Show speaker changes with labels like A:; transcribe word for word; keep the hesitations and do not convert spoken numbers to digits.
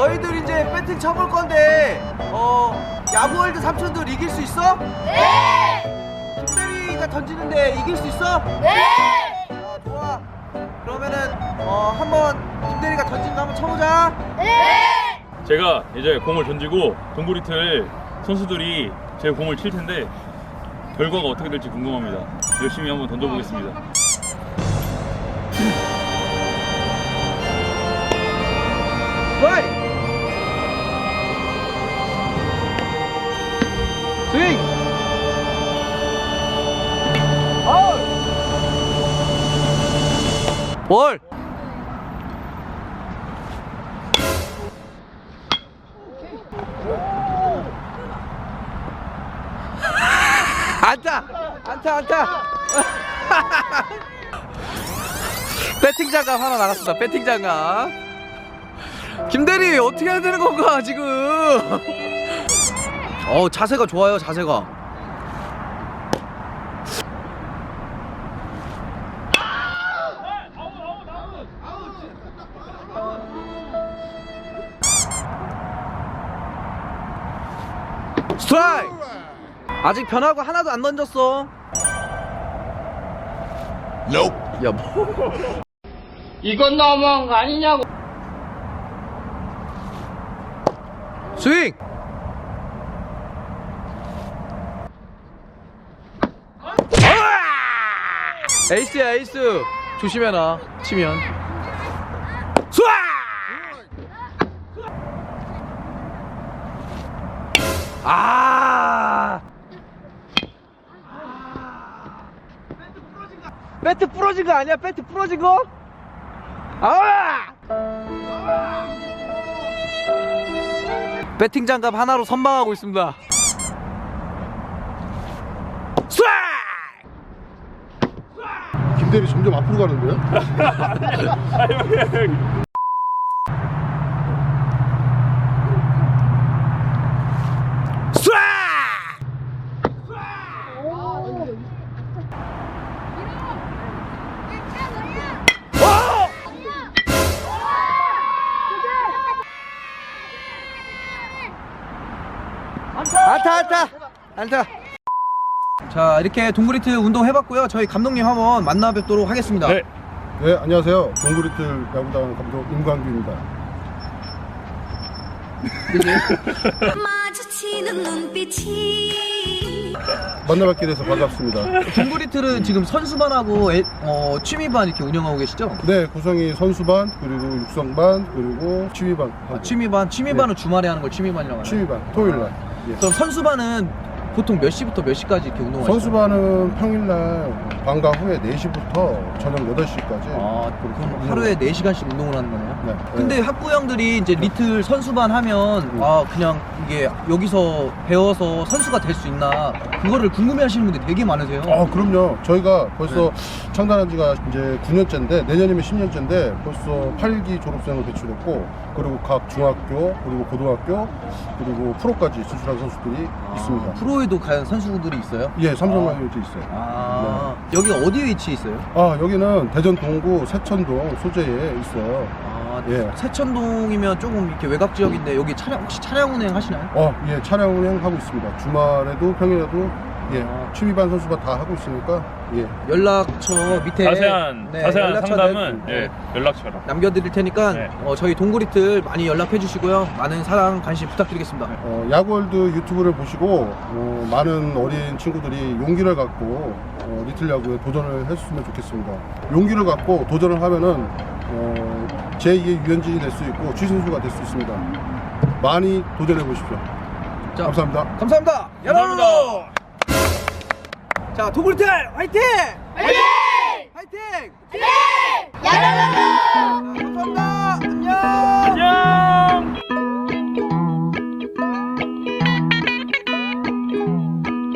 A: 너희들 이제 배팅 쳐볼 건데 어 야구월드 삼촌들 이길 수 있어?
B: 네!
A: 김대리가 던지는데 이길 수 있어?
B: 네!
A: 아, 좋아. 그러면은 어 한번 김대리가 던진 거 한번 쳐보자.
B: 네!
C: 제가 이제 공을 던지고 동구리틀 선수들이 제 공을 칠 텐데 결과가 어떻게 될지 궁금합니다. 열심히 한번 던져보겠습니다.
A: 스트라이크! 스윙! 아웃! 볼! 안타! 안타 안타! 배팅 장갑 하나 나갔습니다. 배팅 장갑. 김대리 어떻게 해야 되는 건가 지금? 어 자세가 좋아요. 자세가. 스트라이크! 아직 변화구 하나도 안 던졌어. 야 뭐?
D: 이건 너무한 거 아니냐고.
A: 스윙! 아! 에이스야 에이스. 조심해라 치면. 스윙! 아! 배트 부러진 거 아니야? 배트 부러진 거? 아! 배팅 장갑 하나로 선방하고 있습니다. 스윙!
E: 김대리 점점 앞으로 가는데요?
A: 스윙! 안타 안타 안타. 자 이렇게 동구리틀 운동 해봤고요. 저희 감독님 한번 만나 뵙도록 하겠습니다.
C: 네.
E: 네, 안녕하세요. 동구리틀 야구단 감독 임광규입니다.
B: 마주치는 눈빛이
E: 만나뵙게 돼서 반갑습니다.
A: 동구리틀은 지금 선수반하고 애, 어, 취미반 이렇게 운영하고 계시죠?
E: 네, 구성이 선수반, 그리고 육성반, 그리고 취미반.
A: 아, 취미반 취미반은 주말에 하는 걸 취미반이라고 하나요?
E: 취미반, 토요일날. 예.
A: 그럼 선수반은 보통 몇 시부터 몇 시까지 이렇게 운동하시나요?
E: 선수반은 평일날 방과 후에 네 시부터 저녁 여덟 시까지.
A: 아 그럼 하루에 네 시간씩 운동을 하는 거네요?
E: 네.
A: 근데
E: 네.
A: 학부형들이 이제 리틀 선수반 하면
E: 음.
A: 아 그냥 이게 여기서 배워서 선수가 될 수 있나 그거를 궁금해하시는 분들이 되게 많으세요.
E: 아, 그럼요. 저희가 벌써
A: 네.
E: 창단한 지가 이제 구 년째인데, 내년이면 십 년째인데, 벌써 팔 기 졸업생을 배출했고, 그리고 각 중학교, 그리고 고등학교, 그리고 프로까지 진출한 선수들이
A: 아,
E: 있습니다.
A: 프로에도 과연 선수분들이 있어요?
E: 예, 삼성라이온즈 있어요.
A: 아 여기 어디 위치에 있어요?
E: 아, 여기는 대전 동구 세천동 소재에 있어요.
A: 아
E: 예.
A: 세천동이면 조금 이렇게 외곽 지역인데 여기 차량 혹시 차량 운행 하시나요?
E: 어, 예, 차량 운행하고 있습니다. 주말에도 평일에도 예,
A: 아.
E: 취미반 선수반 다 하고 있으니까 예.
A: 연락처 밑에
C: 자세한
A: 네,
C: 자세한
A: 연락처
C: 상담은
A: 네,
C: 예, 연락처로.
A: 남겨드릴 테니까
C: 네.
A: 어, 저희 동구리틀 많이 연락해 주시고요. 많은 사랑 관심 부탁드리겠습니다.
E: 어, 야구월드 유튜브를 보시고 어, 많은 어린 친구들이 용기를 갖고 어, 리틀 야구에 도전을 했으면 좋겠습니다. 용기를 갖고 도전을 하면은 어, 제이의 유현진이 될 수 있고 추신수가 될 수 있습니다. 많이 도전해 보십시오.
A: 자,
E: 감사합니다.
A: 감사합니다.
C: 감사합니다.
A: 자, 동구리틀 화이팅!
B: 화이팅!
A: 화이팅!
B: 화이팅!